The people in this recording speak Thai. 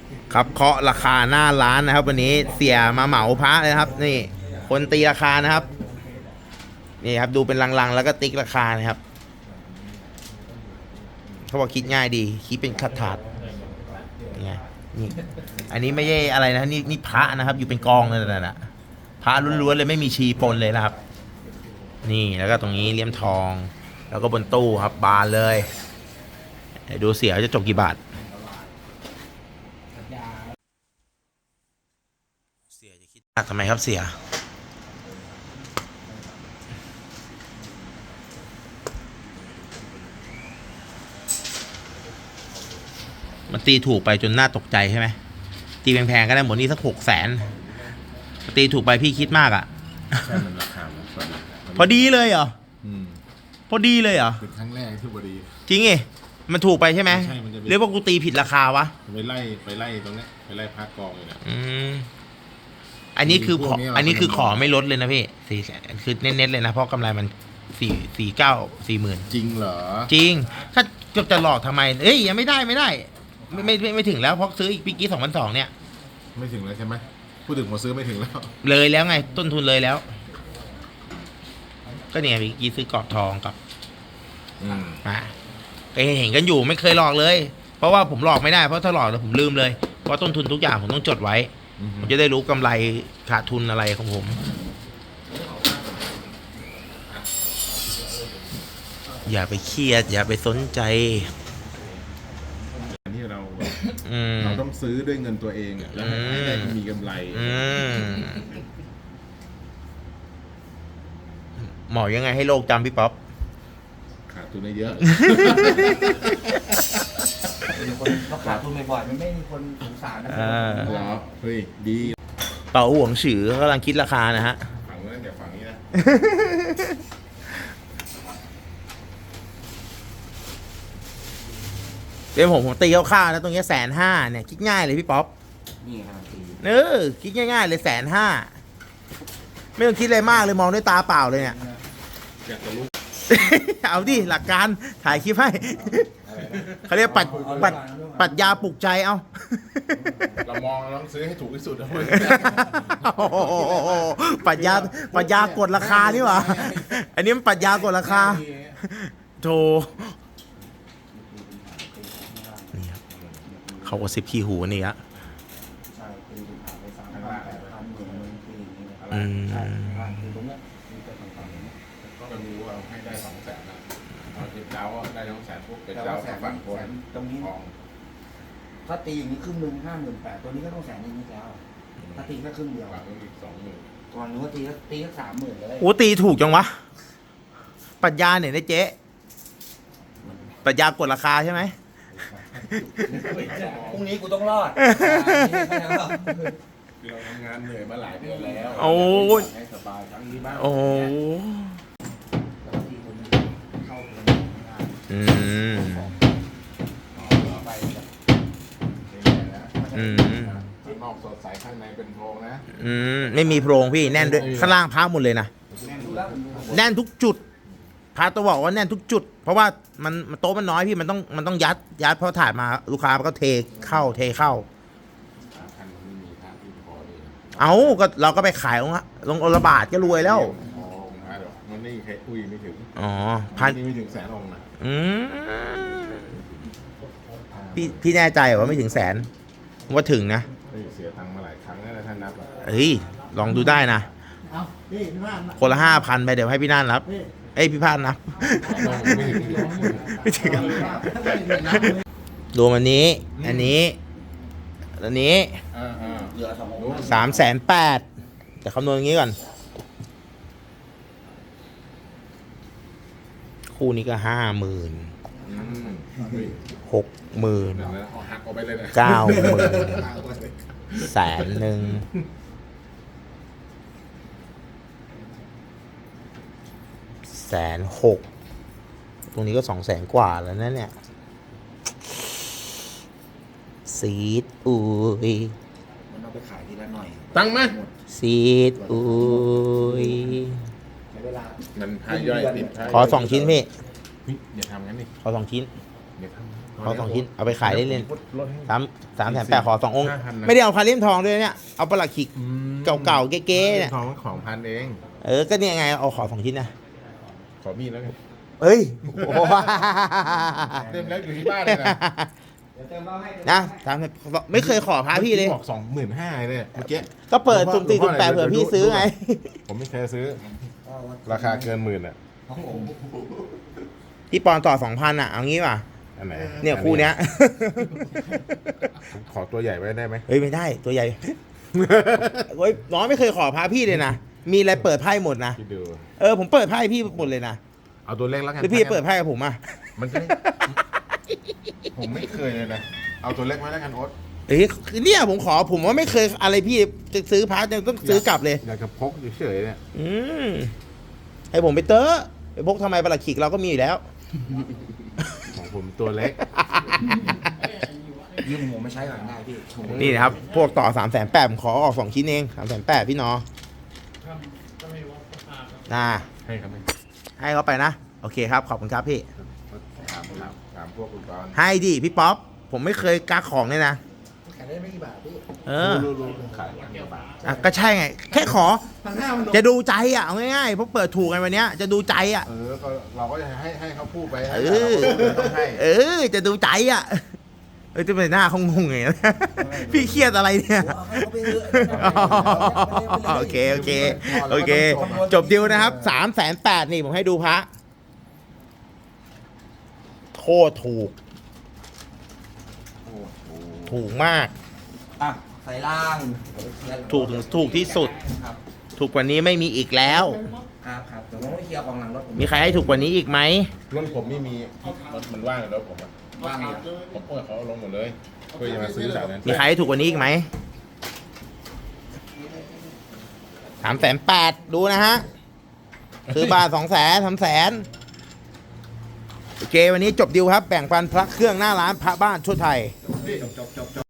ครับเคาะราคาหน้าร้านนะครับ วันนี้เสียมาเหมาพระเลยนะครับ นี่ คนตีราคานะครับ นี่ครับดูเป็นลังๆแล้วก็ติ๊กราคานะครับเขาบอกคิดง่ายดีคิดเป็นขัดถาดไงนี่อันนี้ไม่ใช่อะไรนะนี่พระนะครับ อยู่เป็นกองเลยนะพระล้วนๆเลยไม่มีชีปนเลยนะครับ นี่แล้วก็ตรงนี้เลี่ยมทอง แล้วก็บนตู้ครับบานเลยดูเสียจะจบกี่บาทเสียจะคิดทำไมครับเสียมันตีถูกไปจนน่าตกใจใช่ไหมตีแพงๆก็ได้หมดนี่สัก600,000ตีถูกไปพี่คิดมากอ่ะใช่มันราคาพอดีเลยเหรอพอดีเลยเหรอเป็นครั้งแรกที่พอดีจริงไงมันถูกไปใช่ไหมใช่มันจะเรียกว่ากูตีผิดราคาวะไปไล่ตรงนี้ไปไล่พักกองเลยนะอันนี้คือขอไม่ลดเลยนะพี่400,000คือเน้นๆเลยนะเพราะกำไรมัน40,000 จริงเหรอจริงถ้าจะหลอกทำไมเอ้ยยังไม่ได้ไม่ถึงแล้วเพราะซื้ออีกปีกี้2,200เนี่ยไม่ถึงแล้วใช่ไหมพูดถึงผมซื้อไม่ถึงแล้วเลยแล้วไงต้นทุนเลยแล้วก็เนี่ยปีกี้ซื้อกรอบทองกับเห็นกันอยู่ไม่เคยหลอกเลยเพราะว่าผมหลอกไม่ได้เพราะถ้าหลอกแล้วผมลืมเลยเพราะต้นทุนทุกอย่างผมต้องจดไว้ผมจะได้รู้กำไรขาดทุนอะไรของผมอย่าไปเครียดอย่าไปสนใจที่เราต้องซื้อด้วยเงินตัวเองแล้วให้ได้มีกำไรหมอยังไงให้โลกจำพี่ป๊อปขาดทุนได้เยอะมีคนเขาขาดทุนบ่อยๆมันไม่มีคนสงสารนะหรอเฮ้ยดีเป่าห่วงฉือเขากำลังคิดราคานะฮะฝั่งนั้นเดี๋ยวฝั่งนี้นะเดี๋ยวผมตีคร่าวๆนะตรงนี้150,000เนี่ยคิดง่ายเลยพี่ป๊อปนี่ครับคิดง่ายๆเลย150,000ไม่ต้องคิดอะไรมากเลยมองด้วยตาเปล่าเลยเนี่ยอยากจะรู้เอาดิหลักการถ่ายคลิปให้เขาเรียกปัดยาปลุกใจเอาเรามองเราต้องซื้อให้ถูกที่สุดนะเพื่อนปัดยากดราคานี่หว่าอันนี้มันปัดยากดราคาโธ่นี่ครับเขาก็10ขี้หูนี่ฮะก็รู้ว่าให้ได้200,000นะเอาเก็บเจ้าได้200,000พวกเก็บเจ้าฝั่งคนตรงนี้ถ้าตีอย่างนี้ครึ่งหนึ่ง58,000ตัวนี้ก็ต้อง100,000นิดแล้วถ้าตีแค่ครึ่งเดียวต้องอีก20,000 ก่อนนู้นตีสัก30,000เลยโอ้ตีถูกจังวะปัญญาเนี่ยนะเจ๊ปัญญากดราคาใช่ไหมพรุ่งนี้กูต้องรอดเราทำงานเหนื่อยมาหลายเดือนแล้วโอ้ให้สบายครั้งนี้บ้างโอ้นอกสดใสข้างในเป็นโพรงนะไม่มีโพรงพี่แน่นด้วยข้างล่างพักหมดเลยนะแน่นทุกจุดพาตัวบอกว่าแน่นทุกจุดเพราะว่ามันโต๊ะมันน้อยพี่มันต้องยัดเพราะถ่ายมาลูกค้ามันก็เทเข้าเอาก็เราก็ไปขายลงระบาดก็รวยแล้วมันไม่ใครอุ้ยไม่ถึงพันไม่ถึง100,000องค์นะพี่แน่ใจว่าไม่ถึง100,000ว่าถึงนะเสียตังค์มาหลายครั้งแล้วท่านนับลองดูได้นะคนละ5,000ไปเดี๋ยวให้พี่น่านรับพี่พานนับไม่ถึงรวมอันนี้380,000แต่คำนวณอย่างนี้ก่อนคู่นี้ก็50,000 60,000 90,000 100,000 160,000ตรงนี้ก็200,000 กว่าแล้วนะเนี่ยซีดอุ้ยมันเอาไปขายทีละหน่อยตั้งไหมซีดอุ้ยมันพายย่อยติดขอ2 ชิ้นพี่อย่าทำงั้นดิขอ2 ชิ้นขอ2 ชิ้นเอาไปขายเล่นลดให้ๆ300,000ขอ2 องค์ 5,000นะไม่ได้เอาคาเลี่ยมทองด้วยเนี่ยเอาประหลัดขิกอืมเก่าๆเก๊ๆเนี่ยของของพันเองก็เนี่ยไงเอาขอ2 ชิ้นนะขอมีดแล้วกันเฮ้ยโอ้โหเต็มแล้วอยู่ที่บ้านเลยนะเดี๋ยวเติมเหล้าให้นะไม่เคยขอพระพี่เลยบอก25,000เลยเมื่อกี้ก็เปิดสุ่ม4สุ่ม8เผื่อพี่ซื้อไงผมไม่เคยซื้อ ราคาเกิน10,000อ่ะของผมพี่ปอนต่อ 2,000อ่ะเอางี้ป่ะอันไหนเนี่ยคู่เนี้ยขอตัวใหญ่ไว้ได้ไหมเฮ้ยไม่ได้ตัวใหญ่เฮ้ยน้องไม่เคยขอพาพี่เลยนะมีอะไรเปิดไพ่หมดนะคิดดูผมเปิดไพ่พี่หมดเลยนะเอาตัวเล็กแล้วกันหรือพี่เปิดไพ่กับผมอ่ะมันจะได้ผมไม่เคยเลยนะ เอาตัวเล็กไว้แล้วกันโอ๊ตเฮ้ยเนี่ยผมว่าไม่เคยอะไรพี่จะซื้อพาจะต้องซื้อกลับเลยอยากจะพกเฉยๆเนี่ยให้ผมไปเตอะไปพกทำไมประหลัดขิกเราก็มีอยู่แล้วของผมตัวเล็กยืมผมไม่ใช้ก่อนได้พี่โชว์นี่นะครับพวกต่อ380,000ผมขอออก2 ชิ้นเอง380,000พี่นอนะให้ครับให้เขาไปนะโอเคครับขอบคุณครับพี่ถามพวกคุณกรณ์ให้ดิพี่ป๊อปผมไม่เคยกักของเลยนะขายได้ไม่กี่บาทพี่รู้ขายวันกว่าบาทอ่ะก็ใช่ไง แค่ขอ 1,500มันจะดูใจอ่ะเอาง่ายๆเพราะเปิดถูกกันวันเนี้ยจะดูใจอ่ะก็เราก็จะให้เขาพูดไปเออต้องให้จะดูใจอ่ะจะเป็นหน้าเขางงไง พี่เครียดอะไรเนี่ยเอาให้เขาไปเถอะโอเคโอเค จบดิวนะครับ380,000นี่ผมให้ดูพระโคตรถูกมากอ่ะใส่ล่างถูกที่สุดครับถูกกว่านี้ไม่มีอีกแล้วครับเดี๋ยวผมไปเคลียร์กองหลังรถผมมีใครให้ถูกกว่านี้อีกไหมรถผมไม่มีรถมันว่างแล้วผมว่างอยู่ผมเปิดเขาลงหมดเลยเพื่อจะมาซื้อสายนั้นมีใครให้ถูกกว่านี้อีกไหม380,000ดูนะฮะ ซื้อบาท200,000 300,000โอเควันนี้จบดิวครับ แบ่งปันพระเครื่องหน้าร้านพระบ้านทั่วไทย